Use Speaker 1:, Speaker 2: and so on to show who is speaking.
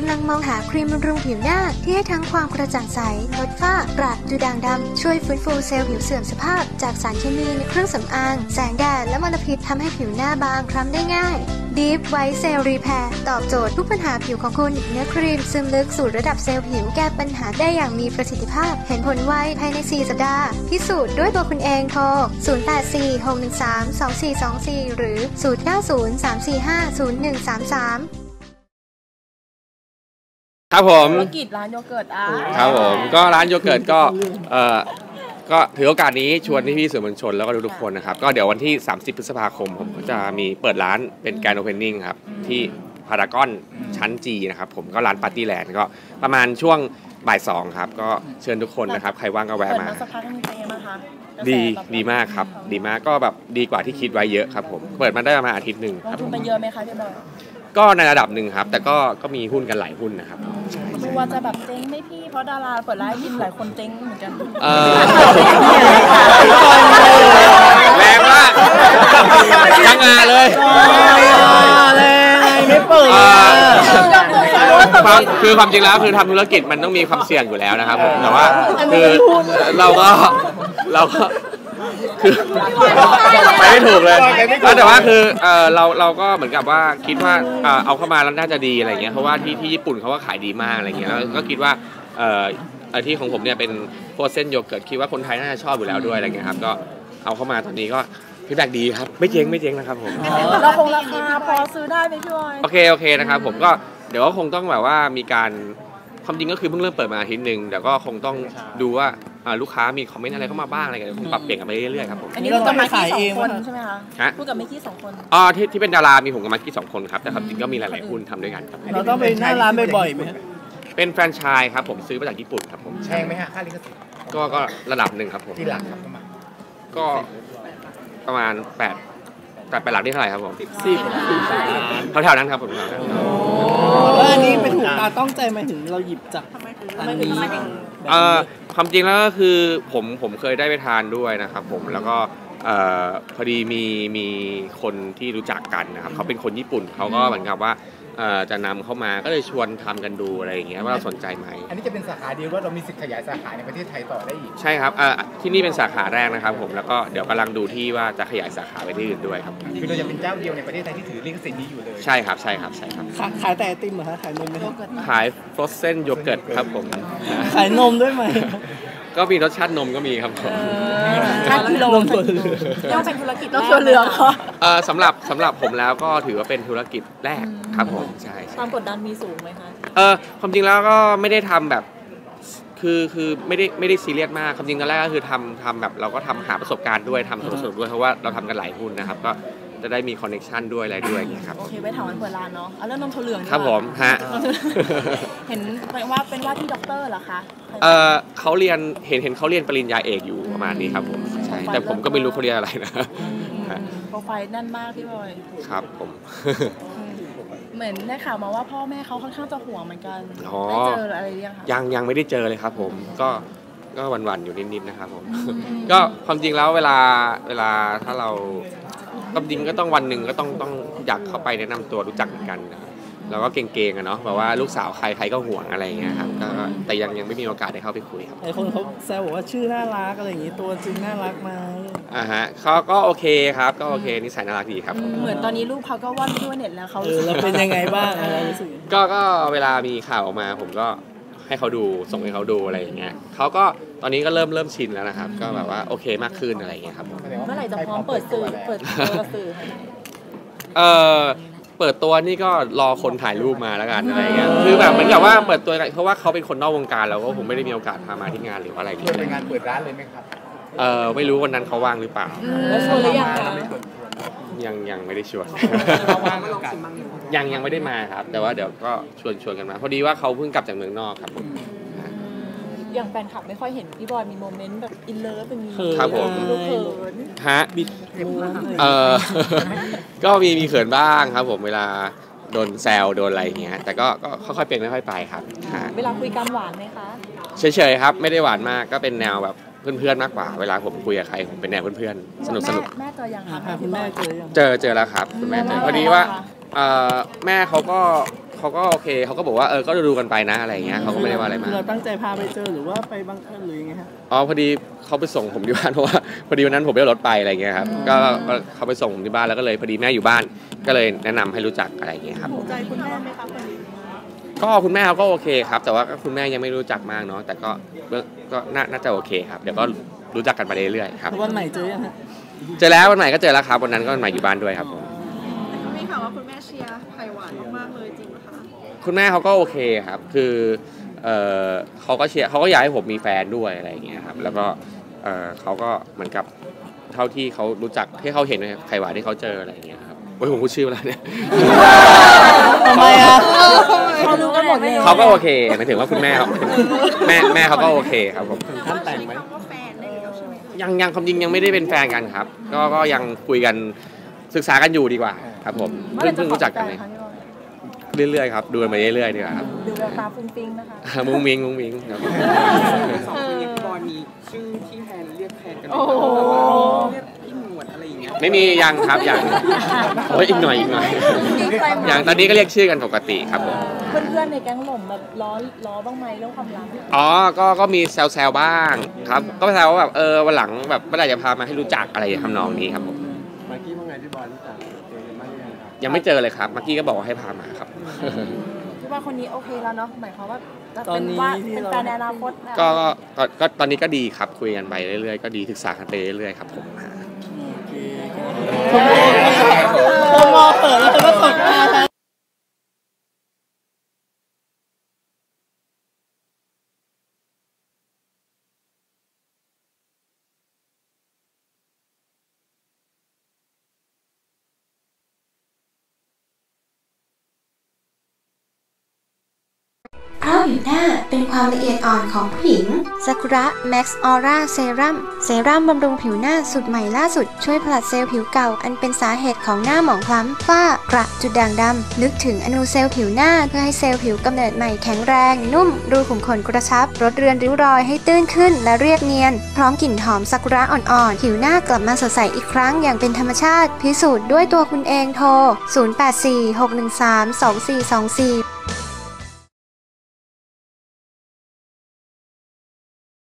Speaker 1: ำลังมองหาครีมบำรุงผิวหน้าที่ให้ทั้งความกระจ่างใสลดฝ้ากระดูด่างดำช่วยฟื้นฟูเซลล์ผิวเสื่อมสภาพจากสารเคมีในเครื่องสำอางแสงแดดและมลพิษทำให้ผิวหน้าบางคล้ำได้ง่าย Deep White Cell Repair ตอบโจทย์ทุกปัญหาผิวของคุณเนื้อครีมซึมลึกสู่ระดับเซลล์ผิวแก้ปัญหาได้อย่างมีประสิทธิภาพเห็นผลไวภายใน 4 สัปดาห์พิสูจน์ด้วยตัวคุณเองโทร 0846132424 หรือ 0903450133
Speaker 2: ครับผม
Speaker 3: ธุรกิจร้านโยเกิร์ต
Speaker 2: ครับผมก็ร้านโยเกิร์ตก็ถือโอกาสนี้ชวนพี่ๆสื่อมวลชนแล้วก็ทุกคนนะครับก็เดี๋ยววันที่30 พฤษภาคมผมก็จะมีเปิดร้านเป็นแกรนด์โอเพนนิ่งครับที่พารากอนชั้นจีนะครับผมก็ร้านปาร์ตี้แลนด์ก็ประมาณช่วงบ่าย 2ครับก็เชิญทุกคนนะครับใครว่างก็แวะมา
Speaker 3: สักพักนึงเป็นยังไงคะ
Speaker 2: ดีมากครับดีมากก็แบบดีกว่าที่คิดไว้เยอะครับผมเปิดมาได้ประมาณอาทิตย์หนึ่ง
Speaker 3: ลงทุนไปเยอะไหมคะพี่บอย
Speaker 2: ก็ในระดับหนึ่งครับแต่ก็มีหุ้นกันหลายหุ้นนะครับ
Speaker 3: ดูว่าจะแบบเจ๊งไหมพี่เพราะดาราเปิดร้านกินหลายคนเจ๊งเหมือนกัน
Speaker 2: แรงมากทั้งงานเลย
Speaker 4: ไม่เปิด
Speaker 2: คือความจริงแล้วคือทำธุรกิจมันต้องมีความเสี่ยงอยู่แล้วนะครับผมแต่ว่าคือเราก็คือไปไม่ถูกเลยแต่ว่าคือเราก็เหมือนกับว่าคิดว่าเอาเข้ามาแล้วน่าจะดีอะไรเงี้ยเพราะว่าที่ญี่ปุ่นเขาก็ขายดีมากอะไรเงี้ยแล้วก็คิดว่าที่ของผมเนี่ยเป็นพวกเส้นโยเกิร์ตคิดว่าคนไทยน่าจะชอบอยู่แล้วด้วยอะไรเงี้ยครับก็เอาเข้ามาตอนนี้ก็ฟีดแบ็กดีครับไม่เจ๊งนะครับผม
Speaker 3: เราคงราคาพอซื้อได้ไหมพี่บอย
Speaker 2: โอเคนะครับผมก็เดี๋ยวก็คงต้องแบบว่ามีการความจริงก็คือเพิ่งเริ่มเปิดมาอาทิตย์นึงแต่ก็คงต้องดูว่าลูกค้ามีคอมเมนต์อะไรเข้ามาบ้างอะไรกันคงปรับเปลี่ยนกันไปเรื่อยๆครับผม
Speaker 3: อันนี้เราจะมาขายเองใช่ไหมคะพูดกับเมกี้2 คน
Speaker 2: ที่เป็นดารามีผมกับมากี้2 คนครับแต่ความจริงก็มีหลายๆหุ้นทำด้วยกันครับ
Speaker 4: เราต้องไปหน้าร้านบ่อยๆไหม
Speaker 2: เป็นแฟรนไชส์ครับผมซื้อมาจากญี่ปุ่นครับผม
Speaker 5: แพงไหมฮะค่าลิขสิทธิ์
Speaker 2: ก็ระดับหนึ่งครับผม
Speaker 5: ที่หลักครับ
Speaker 2: ก็ประมาณ8หลักนี่เท่าไหร่ครับผม10แถวๆนั้นครับผม
Speaker 4: แล้วอันนี้เป็นถูกตาต้องใจมาถึงเราหยิบจากอันนี้
Speaker 2: ความจริงแล้วก็คือผมเคยได้ไปทานด้วยนะครับผมแล้วก็พอดีมีคนที่รู้จักกันนะครับเขาเป็นคนญี่ปุ่นเขาก็เหมือนกับว่าจะนำเข้ามาก็เลยชวนทำกันดูอะไรอย่างเงี้ยว่าเราสนใจไหม
Speaker 5: อันนี้จะเป็นสาขาเดียวว่าเรามีสิทธิ์ขยายสาขาในประเทศไทยต่อได้อีก
Speaker 2: ใช่ครับที่นี่เป็นสาขาแรกนะครับผมแล้วก็เดี๋ยวกำลังดูที่ว่าจะขยายสาขาไปที่อื่นด้วยครับ
Speaker 5: คือเราจะเป็นเจ้าเดียวในประเทศไทยที่ถือลิขสิทธิ์นี้อยู่เลย
Speaker 2: ใช่ครับ
Speaker 4: ขายแต่ไอติมเหรอคะขายนมไหม
Speaker 2: ขายฟรอสเซนโยเกิร์ตครับผม
Speaker 4: ขายนมด้วยไหม
Speaker 2: ก็มีรสชาตินมก็มีครับผม
Speaker 3: ชาติกิโลย่อเป็นธุรกิจต้องเหลือง
Speaker 2: สำหรับผมแล้วก็ถือว่าเป็นธุรกิจแรกครับผมใช่
Speaker 3: ความกดดันมีสูงไหมคะ
Speaker 2: ความจริงแล้วก็ไม่ได้ทำแบบคือไม่ได้ซีเรียสมากความจริงตอนแรกก็คือทำแบบเราก็ทำหาประสบการณ์ด้วยทำสนุกด้วยเพราะว่าเราทำกันหลายหุ้นนะครับก็จะได้มีคอนเนคชั่นด้วยอะไรด้วยอย่างเงี้ยครับ
Speaker 3: โอเคไว้ถามวันเปิดร้านเนาะเอาเรื่องนมถั่วเหลือง
Speaker 2: ครับผมฮะ
Speaker 3: เห็นว่าเป็นว่าที่ด็อกเตอร์เหรอคะ
Speaker 2: เขาเรียนเห็นเขาเรียนปริญญาเอกอยู่ประมาณนี้ครับผมใช่แต่ผมก็ไม่รู้เขาเรียนอะไรนะ
Speaker 3: โปรไฟล์แน่นมากพี่บอย
Speaker 2: ครับผม
Speaker 3: เหมือนได้ข่าวมาว่าพ่อแม่เขาค่อนข้างจะห่วงเหมือนกันได้เจออะไรยังคะ
Speaker 2: ยังไม่ได้เจอเลยครับผมก็วันๆอยู่นิดๆนะครับผมก็ความจริงแล้วเวลาถ้าเราความจริงก็ต้องวันหนึ่งก็ต้องอยากเข้าไปแนะนำตัวรู้จักเหมือนกันนะเราก็เก่งๆอะเนาะแบบว่าลูกสาวใครก็ห่วงอะไรอย่างเงี้ยครับแต่ยังไม่มีโอกาสได้เข้าไปคุยครับ
Speaker 4: ไอคนเขาแซวบอกว่าชื่อน่ารักอะไรอย่างงี้ตัวจริงน่ารักไหม
Speaker 2: ฮะเขาก็โอเคครับก็โอเคนิสัยน่ารักดีครับ
Speaker 3: เหมือนตอนนี้ลูกเขาก็ว่อนด้วยเน็ตแล้วเขา
Speaker 4: เราเป็นยังไงบ้างอะไรรู้สึก
Speaker 2: ก็เวลามีข่าวออกมาผมก็ให้เขาดูส่งให้เขาดูอะไรอย่างเงี้ยเขาก็ตอนนี้ก็เริ่มชินแล้วนะครับก็แบบว่าโอเคมากขึ้นอะไรอย่างเงี้ยครับ
Speaker 3: เมื่อไหร่จะพร้อมเปิดตัวสื่อ
Speaker 2: เปิดตัวนี่ก็รอคนถ่ายรูปมาแล้วกันอะไรเงี้ยคือแบบเหมือนกับว่าเปิดตัวเพราะว่าเขาเป็นคนนอกวงการแล้วก็ผมไม่ได้มีโอกาสพามาที่งานหรืออะไร
Speaker 5: ที่เป็นงานเปิดร้านเลยไหมครับ
Speaker 2: ไม่รู้วันนั้นเขาว่างหรือเปล่า
Speaker 3: แล้วชวนหรือยัง
Speaker 2: ยังไม่ได้ชวนยังไม่ได้มาครับแต่ว่าเดี๋ยวก็ชวนกันมาพอดีว่าเขาเพิ่งกลับจากเมืองนอกครับผม
Speaker 3: อย่างแฟนคลับไม่ค่อยเห็นพี่บอยมีโมเมนต์แบบอินเลิฟเป็น
Speaker 2: ครับผม
Speaker 3: เขิน
Speaker 2: ฮะก็มีเขินบ้างครับผมเวลาโดนแซวโดนอะไรอย่างเงี้ยแต่ก็ค่อยๆเป็นค่อยๆไปครับ
Speaker 3: เวลาคุยกันหวานไหมคะ
Speaker 2: เฉยๆครับไม่ได้หวานมากก็เป็นแนวแบบเพื่อนๆมากกว่าเวลาผมคุยกับใครผมเป็นแนวเพื่อนๆสนุก
Speaker 3: แม่เจอยังคะ
Speaker 4: คุณแม่
Speaker 2: เจอแล้วครับคุณแม่เจอพอดีว่าแม่เขาก็เขาก็โอเคเขาก็บอกว่าก็ดูกันไปนะอะไรอย่างเงี้ยเขาก็ไม่ได้ว่าอะไรมาก
Speaker 4: เราตั้งใจพาไปเจอหรือว่าไปบังเอิญหรือยังไงฮะ
Speaker 2: อ๋อพอดีเขาไปส่งผมที่บ้านเพราะว่าพอดีวันนั้นผมไม่ได้รถไปอะไรเงี้ยครับก็เขาไปส่งผมที่บ้านแล้วก็เลยพอดีแม่อยู่บ้านก็เลยแนะนำให้รู้จักอะไรอย่างเงี้ยครับ
Speaker 3: ถูกใจคุณแม่ไหมคะคนนี้
Speaker 2: ก็คุณแม่เขาก็โอเคครับแต่ว่าคุณแม่ยังไม่รู้จักมากเนาะแต่ก็น่าจะโอเคครับเดี๋ยวก็รู้จักกันไปเรื่อยๆครับ
Speaker 4: วันใหม่เจอยังฮะ
Speaker 2: เจอแล้ววันใหม่ก็เจอแล้วครับวันนั้นก็วันใหม่อยู่บ้านด้วยครับผม
Speaker 3: มีข่าวว่าคุณแม่เชียร์ไผ่หวานมากๆเลยจริงไหมคะ
Speaker 2: คุณแม่เขาก็โอเคครับคือเขาก็เชียร์เขาก็อยากให้ผมมีแฟนด้วยอะไรอย่างเงี้ยครับแล้วก็เขาก็เหมือนกับเท่าที่เขารู้จักที่เขาเห็นไผ่หวานที่เขาเจออะไรอย่างเงี้ยครับโอ้ยผมพูดชื่อแล้วเนี่ย
Speaker 4: ทำไมอ่ะเขารู้กันหมดเลย
Speaker 2: เขาก็โอเคหมายถึงว่าคุณแม่เขาแม่เขาก็โอเคครับผม
Speaker 4: ท่านแต่งไหม
Speaker 2: ยังความจริงยังไม่ได้เป็นแฟนกันครับก็ยังคุยกันศึกษากันอยู่ดีกว่าครับผมเพิ่งรู้จักกันเลยเรื่อยๆครับดูกันไปเรื่อยๆดีกว่าครับ
Speaker 3: ดูแววตาฟุ้งฟิ้งนะคะ
Speaker 2: มุ้งมิ้งครับ
Speaker 6: สองคนนี้พี่บอลมีชื่อที่แทนเรียกแทนกันไหมเรียกพี่หนวดอะไรอย่างเงี้ย
Speaker 2: ไม่มียังครับยังโอ้ยอีกหน่อยอย่างตอนนี้ก็เรียกชื่อกันปกติครับผม
Speaker 3: เพื่อนๆในแก๊งหล่มแบบล้อบ้างไหมเรื่องความรัก
Speaker 2: อ๋อก็มีแซวบ้างครับก็แซวว่าแบบวันหลังแบบเมื่อไหร่จะพามาให้รู้จักอะไรทำนองนี้ครับผม
Speaker 6: มากกี้ว่าไงพี่บอลรู้จัก
Speaker 2: ยังไม่เจอเลยครับเมื่อกี้ก็บอกว่าให้พามาครับ
Speaker 3: คิดว่าคนนี้โอเคแล้วเนาะหมายความว่าจะเป็นว่าเป็นแฟนในอนาคต
Speaker 2: ก็ตอนนี้ก็ดีครับคุยกันไปเรื่อยๆก็ดีศึกษากันไปเรื่อยๆครับผม
Speaker 4: ผมมองเปิดแล้วจะมาสดมา
Speaker 1: เพราะผิวหน้าเป็นความละเอียดอ่อนของผู้หญิงซากุระแม็กซ์ออร่าเซรั่มบำรุงผิวหน้าสูตรใหม่ล่าสุดช่วยผลัดเซลล์ผิวเก่าอันเป็นสาเหตุของหน้าหมองคล้ำฝ้ากระจุดด่างดำลึกถึงอนูเซลล์ผิวหน้าเพื่อให้เซลล์ผิวกำเนิดใหม่แข็งแรงนุ่มรูขุมขนกระชับลดเรือนริ้วรอยให้ตื้นขึ้นและเรียบเนียนพร้อมกลิ่นหอมซากุระอ่อนๆผิวหน้ากลับมาสดใสอีกครั้งอย่างเป็นธรรมชาติพิสูจน์ด้วยตัวคุณเองโทร0846132424